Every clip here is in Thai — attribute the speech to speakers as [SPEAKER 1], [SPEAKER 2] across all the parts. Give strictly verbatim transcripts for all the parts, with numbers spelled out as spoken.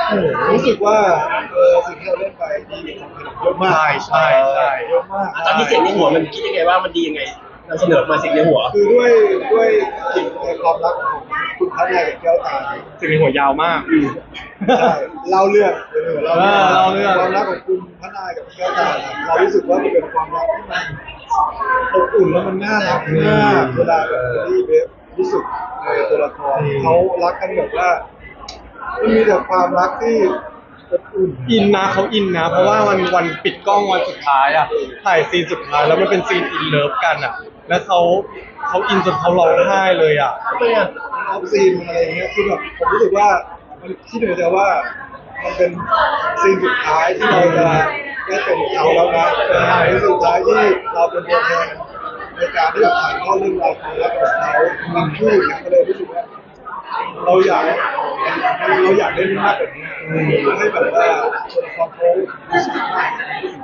[SPEAKER 1] รู้สึกว่าเออสิ่งที่เราเล่นไปดีเยอะมาก
[SPEAKER 2] ใช่ใช่ใช่
[SPEAKER 1] เยอะมาก
[SPEAKER 3] ตอนนี้เสียงในหัวมันคิดยังไงว่ามันดียังไงนำเสนอมาเสียงในหัว
[SPEAKER 1] คือด้วยด้วยกลิ่นในความรักของคุณพระนายกับแก้วตา
[SPEAKER 2] สิ่งในหัวยาวมาก
[SPEAKER 1] ใช่เล่าเรื่องเล่าเรื่อง
[SPEAKER 2] เล่าเรื่อง
[SPEAKER 1] ความรักของคุณพระนายกับแก้วตาเรารู้สึกว่ามันเป็นความรักที่มันอบอุ่นแล้วมันน่ารักมากเวลาแบบที่เบฟรู้สึกในตัวละครเขารักกันแบบว่ามันมีแต่ความรักที่อบอุ่น
[SPEAKER 2] อินนะเขาอินนะเพราะว่าวันวันปิดกล้องวันสุดท้ายอ่ะถ่ายซีนสุดท้ายแล้วมันเป็นซีนอินเลิฟกันอ่ะแล้วเขาเขาอินจนเขาร้องไห้เลยอ่ะ
[SPEAKER 3] ทำไมอ่ะ
[SPEAKER 1] ออฟซีนอะไรอย่างเงี้ยคือแบบผมรู้สึกว่ามันคิดเหนือแต่ว่ามันเป็นซีนสุดท้ายที่เราจะได้เป็นเขาแล้วนะเป็นสุดท้ายที่เราเป็นตัวแทนในการที่แบบถ่ายทอดเรื่องราวความรักของเขาบางคู่เนี่ยก็เลยรู้สึกว่าเราอยากเราอยากได้มากกว่านี้ให้แบบว่าตัวละครเขารู้สึกมาก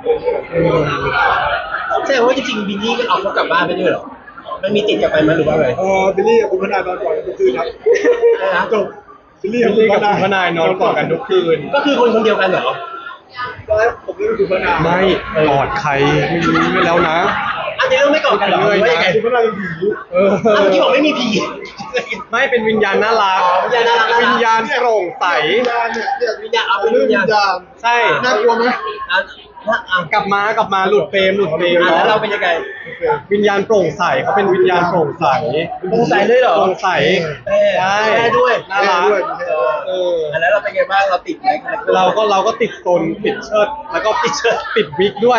[SPEAKER 3] แสดงว่าจริงๆบินนี่ก็เอาเขากลับบ้านไปด้วยเหรอมันมีติดกลับไปไหมหรือว่าไง
[SPEAKER 1] เออบิลลี่กับคุณพนายนอนก่อนกันทุกคืนครับจบบิลลี่
[SPEAKER 2] บิ
[SPEAKER 1] กับ
[SPEAKER 2] ล
[SPEAKER 1] คุ
[SPEAKER 2] ลี่
[SPEAKER 1] ณ
[SPEAKER 2] กับ
[SPEAKER 1] พนาย
[SPEAKER 2] พนายนอนกอดกันทุกคืน
[SPEAKER 3] ก็คือคนคนเดียวกันเหรอ
[SPEAKER 1] ตอนแรกผมไม่รู้คุณพนาย
[SPEAKER 2] ไม่กอดใครไม่รู้ไปแล้วนะ
[SPEAKER 3] อันนี้เราไม่กอดกันเหรอหรือว่ายังไง
[SPEAKER 1] คุณพนายเป็นผี
[SPEAKER 2] เออ
[SPEAKER 3] อ้าวเมื่อกี้บอกไม่มีผี
[SPEAKER 2] ไม่เป็นวิญญาณน่ารัก
[SPEAKER 3] วิญญาณน่ารัก
[SPEAKER 2] วิญญาณโปร่งใส
[SPEAKER 1] วิญญาณเนี่ยเนี่ย
[SPEAKER 3] วิญญาณเอาเป็น
[SPEAKER 1] เรื่อง
[SPEAKER 3] วิญ
[SPEAKER 1] วิ
[SPEAKER 3] ญาณ
[SPEAKER 1] ญญาณ
[SPEAKER 2] ใช่
[SPEAKER 1] น่ากลัวไหม
[SPEAKER 3] อ่ะอ่ะอ่ะ
[SPEAKER 2] กลับมากลับมาหลุดเฟรมหลุดเฟรม
[SPEAKER 3] อ่ะ
[SPEAKER 2] เนาะ
[SPEAKER 3] แล้วเราเป็นยังไง
[SPEAKER 2] วิญญาณโปร่งใสเขาเป็นวิญญาณโปร่งใส
[SPEAKER 3] โปร่งใสเลยเหรอ
[SPEAKER 2] โปร่งใส
[SPEAKER 3] แม่
[SPEAKER 2] ใช่
[SPEAKER 3] แม่ด้วย
[SPEAKER 2] น่ารัก
[SPEAKER 1] ด้วย
[SPEAKER 2] เออ
[SPEAKER 3] อ่ะแล้วเราเป็นไงบ้างเราติดไหม
[SPEAKER 2] เราก็เราก็ติดโซนติดเชิดแล้วก็ติดเชิดติดวิกด้วย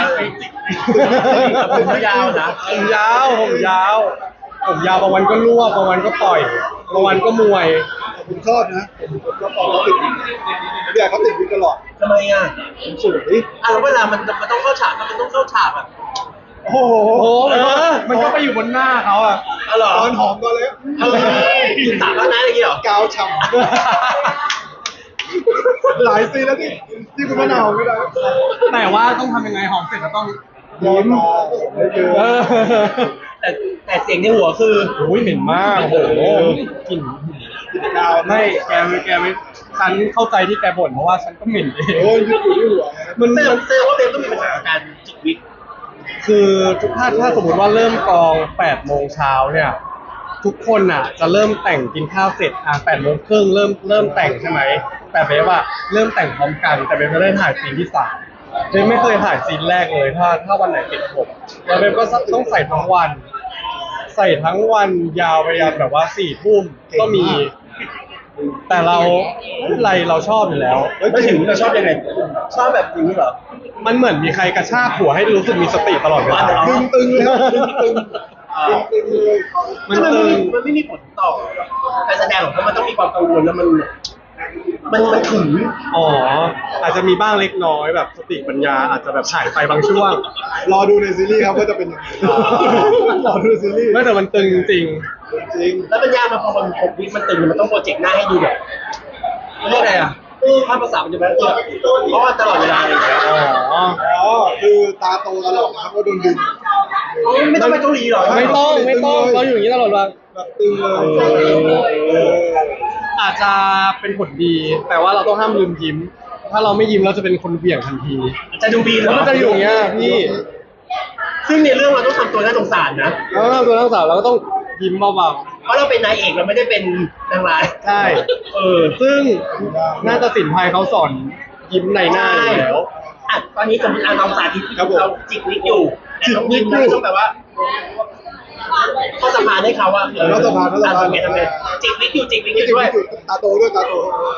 [SPEAKER 3] ผมยาวนะ
[SPEAKER 2] ผมยาวผมยาวผมยาวบางวันก็รวบบางวันก็ปล่อยบางวันก็มวย
[SPEAKER 1] ผมชอบนะผมผมชอบตอนเขาติดผมอยากเขาติดวิกตลอด
[SPEAKER 3] ทำไมอ่ะ
[SPEAKER 1] ผมสวย
[SPEAKER 3] อ่ะแล้วเวลามันมันต้องเข้าฉากมันต้องเข้าฉากอ่ะ
[SPEAKER 1] โอ้โห
[SPEAKER 2] โอ้มันก็มันก็ไปอยู่บนหน้าเขาอะ
[SPEAKER 3] อ๋อเหรอ
[SPEAKER 1] ตอนหอมก่อนเลย
[SPEAKER 3] เออกินตับแล้วนะอย่างงี้เหรอก
[SPEAKER 1] าวฉ่ำหลายซีนแล้วที่ที่คุณมะนาวไม่ได้
[SPEAKER 2] แต่ว่าต้องทำยังไงหอมเสร็จแล้วต้อง
[SPEAKER 1] ยิ้มไม่เจอ
[SPEAKER 2] เออ
[SPEAKER 3] แต่แต่เสียงในหัวคือ
[SPEAKER 2] โอ้ยเหม็นมากโอ้โหกลิ่น
[SPEAKER 1] กินกาว
[SPEAKER 2] ไม่แกไม่แกไม่ฉันเข้าใจที่แกบ่นเพราะว่าฉันก็เหม็นเอง
[SPEAKER 1] โอ้ยยึดอยู่ที่หัว
[SPEAKER 2] มัน
[SPEAKER 3] เซล
[SPEAKER 2] มัน
[SPEAKER 3] เซลว่าเบลต้องมีปัญหากับการจิกวิก
[SPEAKER 2] คือถ้าถ้าสมมติว่าเริ่มกองแปดโมงเช้าเนี่ยทุกคนอ่ะจะเริ่มแต่งกินข้าวเสร็จอ่ะแปดโมงครึ่งเริ่มเริ่มแต่งใช่ไหมแต่เบฟอะเริ่มแต่งพร้อมกันแต่เบฟจะได้ถ่ายซีนที่สามเบฟไม่เคยถ่ายซีนแรกเลยถ้าถ้าวันไหนติดผมแล้วเบฟก็ต้องใส่ทั้งวัน ใส่ทั้งวันยาวไปยันแบบว่าสี่ทุ่มก็มี แต่เราอะไรเราชอบอยู่แล้ว
[SPEAKER 3] ไม่ถึงเราชอบยังไงชอบแบบนี้เหรอ
[SPEAKER 2] มันเหมือนมีใครกระชากหัวให้รู้สึกมีสติตลอดเวลา
[SPEAKER 1] ตึงตึงเลยตึงตึงตึงเลย
[SPEAKER 2] มัน
[SPEAKER 3] มัน
[SPEAKER 2] ตึ
[SPEAKER 3] ไม่
[SPEAKER 2] ง
[SPEAKER 3] มันไม่มีผลต่อการแสดงหรอกเพราะมันต้องมีความกังวลแล้วมัน มันมันถึง
[SPEAKER 2] อ๋ออาจจะมีบ้างเล็กน้อยแบบสติปัญญาอาจจะแบบหายไปบางช่วง
[SPEAKER 1] รอดูในซีรีส์ครับว่าจะเป็นยังไงรอดูในซีรีส์
[SPEAKER 2] ไม่แต่มันตึงจริง
[SPEAKER 1] จริง
[SPEAKER 3] แล้วมันยากมาพอมันหกวิมันตึงมันต้องโปรเจกต์หน้าให้ดูแบบเรียกอะไรอ่ะภาพภาษามันจะแบบเพราะว่าตลอดเวลาอะไรอย่างเงี้ย
[SPEAKER 2] อ๋อ
[SPEAKER 1] อ๋อคือตาโตตลอดครับว่าโดนดึง
[SPEAKER 3] ไม่ต้องไปเกาหลีหรอ
[SPEAKER 2] ไม่ต้องไม่ต้องเราอยู่อย่างนี้ตลอดเวลา
[SPEAKER 1] แบบตึงเลย
[SPEAKER 2] อาจจะเป็นผลดี แต่ว่าเราต้องห้ามลืมยิ้ม ถ้าเราไม่ยิ้มเราจะเป็นคนเหวี่ยงทันที
[SPEAKER 3] จะดูบีเหร
[SPEAKER 2] แล้ว
[SPEAKER 3] อ
[SPEAKER 2] มันจะอยู่อย่างเงี้ยพี่
[SPEAKER 3] ซึ่งในเรื่องเราต้องทำตัวน่าสงสารนะ
[SPEAKER 2] แล้วเราตัวทั้งสาวเราก็ต้องยิ้มเบา
[SPEAKER 3] เพราะเราเป็นนายเอกเราไม่ได้เป็นนางร้าย
[SPEAKER 2] ๆใช่
[SPEAKER 3] เออ
[SPEAKER 2] ซึ่งนาฏศิลป์ไทยเขาสอนยิ้มในหน้าอยู่แล้ว
[SPEAKER 3] อ่ะตอนนี้สมมติอ่ะเราสาธิตเราจิกวิกอยู่แต่ต้องยิ้มนะต้องแบบว่าเข้าสะพานให้เขาอะ
[SPEAKER 1] รัฐบาลรัฐบาล
[SPEAKER 3] ทำไงทำไงจิกวิกอยู่จิกวิกอ
[SPEAKER 1] นี่
[SPEAKER 3] ยู่
[SPEAKER 1] จริง
[SPEAKER 3] ด้วย
[SPEAKER 1] ตาโตด้วยตาโต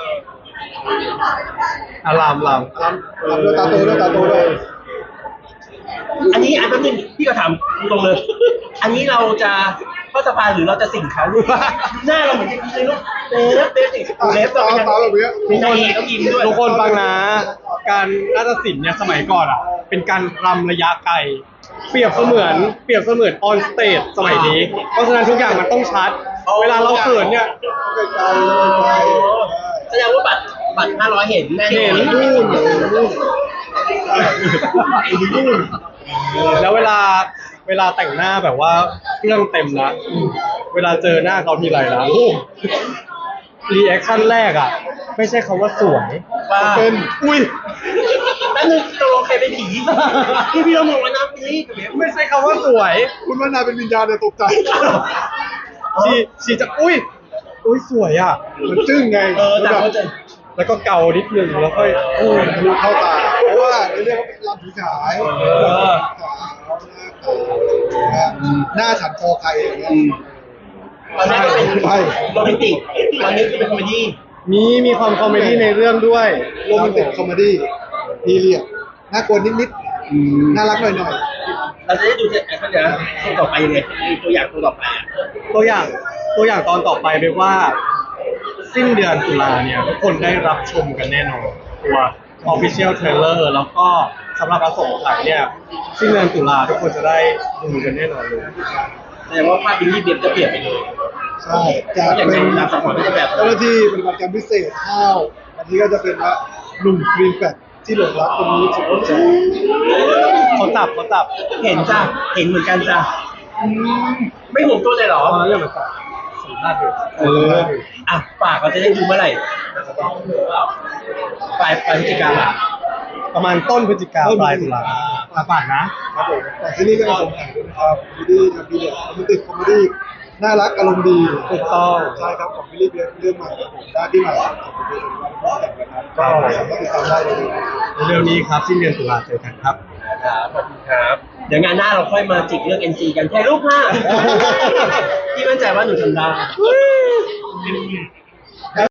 [SPEAKER 2] อารามลาม
[SPEAKER 1] ตามด้วยตาโตด้วยตาโตด้วย
[SPEAKER 3] อันนี้อันนึงพี่ก็ถามตรงเลย อันนี้เราจะเข้าสะพานหรือเราจะสิ่งเขาหน้าเราเหมือนจะเลยลูกเล็บเล็บสิเล็บ
[SPEAKER 1] ตาตาแบบนี้
[SPEAKER 3] มีนายเอกต้องยิ้มด้วย
[SPEAKER 2] ทุกคนฟังนะ การนาฏศิลป์เนี่ยสมัยก่อนอ่ะ เป็นการรำระยะไกล เปรียบเสมือนเปรียบเสมือนออนสเตจสมัยนี้ เพราะฉะนั้นทุกอย่างมันต้องชัด เวลาเราเขินเนี่ย
[SPEAKER 1] ไกลเลยไกล
[SPEAKER 3] แสดงว่าบัตรบัตรห้าร้อยเห็นแน่น
[SPEAKER 2] เห็
[SPEAKER 3] อน น
[SPEAKER 1] นู่นนู่นนู่น
[SPEAKER 2] แล้วเวลาเวลาแต่งหน้าแบบว่าเครื่องเต็มนะเวลาเจอหน้าเขาทีไรนะโอ้รีแอคชั่นแรกอ่ะ ไม่ใช่คำว่าสวย
[SPEAKER 3] ว่า
[SPEAKER 2] เป็น อุ้ย
[SPEAKER 3] แป๊บนึงตกลงใครเป็นผีพี่พี่เรามองว่านะนี่กับเบฟ
[SPEAKER 2] ไม่ใช่คำว่าสวย
[SPEAKER 1] คุณว่านายเป็นวิญญาณเนี่ยตกใจ
[SPEAKER 2] ชีชีจะอุ้ย อุ้ยสวยอ่ะ
[SPEAKER 1] มันจึ้งไง
[SPEAKER 3] เออแต่เขาจะ
[SPEAKER 2] แล้วก็เกานิดนึงแล้วค่อย
[SPEAKER 1] โอ้ยทะลุเข้าตา เพราะว่าในเรื่องเขาเป็นลำผีขาย
[SPEAKER 2] เออ
[SPEAKER 1] หน้าฉันคอใครอย่างเงี้ย
[SPEAKER 3] ตอนแรกก็เป็น
[SPEAKER 1] ใช่
[SPEAKER 3] โรแมนติกตอนนี้คือเป็นคอมเมดี้
[SPEAKER 2] มีมีความคอมเมดี้ในเรื่องด้วย
[SPEAKER 1] โรแมนติกคอมเมดี้พีเรียดน่ากลัวนิดๆน่ารักหน่อย
[SPEAKER 3] เราจะได้ดูแอคชั่นนะตัวต่อไปยังไงตัวอย่างตัวต่อไปอ่ะ
[SPEAKER 2] ตัวอย่างตัวอย่างตอนต่อไปเป็นว่า สิ้นเดือนตุลาเนี่ยทุกคนได้รับชมกันแน่นอนตัว Official Trailer แล้วก็สำหรับอสงไขยเนี่ยสิ้นเดือนตุลาทุกคนจะได้ดูกันแน่นอนเลย
[SPEAKER 3] แสดงว่าภาพบิลลี่เบฟจะเปลี่ยนไปเลย
[SPEAKER 1] ๆ ใช่จะ
[SPEAKER 3] อย่าง
[SPEAKER 1] เป็
[SPEAKER 3] ใน
[SPEAKER 1] น
[SPEAKER 3] หลักสังหรณ์ไม่ได้แบบ
[SPEAKER 1] เจ้าหน้าที่ปฏิบัติการพิเศษข้าวอันนี้ก็จะเป็นว่าหนุ่มครีมแฟตที่หลงรักคนนี้สุดใจ
[SPEAKER 2] เขาจับเขาจับ
[SPEAKER 3] เห็นจ้ะเห็นเหมือนกันจ้ะอืมไม่ห่วงตัวเลยเหรอ
[SPEAKER 2] ตอนนั้นเรื่องมันจับสัมภาษณ์อยู่เออ
[SPEAKER 3] อ่ะฝากเราจะได้ดูเมื่อไหร่ปลายปลายพฤศจิกาอ่ะ
[SPEAKER 2] ประมาณต้นพฤศจิกาปลายตุลาตาปากนะ
[SPEAKER 1] ครับผมแต่ที่นี่ก็จะสงสัยด้วยนะครับคอมเมดี้ทำพีเรียดโรแมนติกคอมเมดี้น่ารักอารมณ์ดี
[SPEAKER 2] ถูกต้อง
[SPEAKER 1] ใช่ครับของบิลลี่เบียร์เรื่องใหม่ครับผมได้ที่ใหม่ของคุณเบียร์เป็นวันที่แต่งนะครับก็สามารถติดตามได้เลย
[SPEAKER 2] เรื่องนี้ครับสิ้นเดือนตุลาเจอกันครับ
[SPEAKER 3] ครับขอบคุณครับ เดี๋ยวงานหน้าเราค่อยมาจิกเรื่อง เอ็น ซี กันแค่รูปห้าพี่มั่นใจว่าหนูทำได้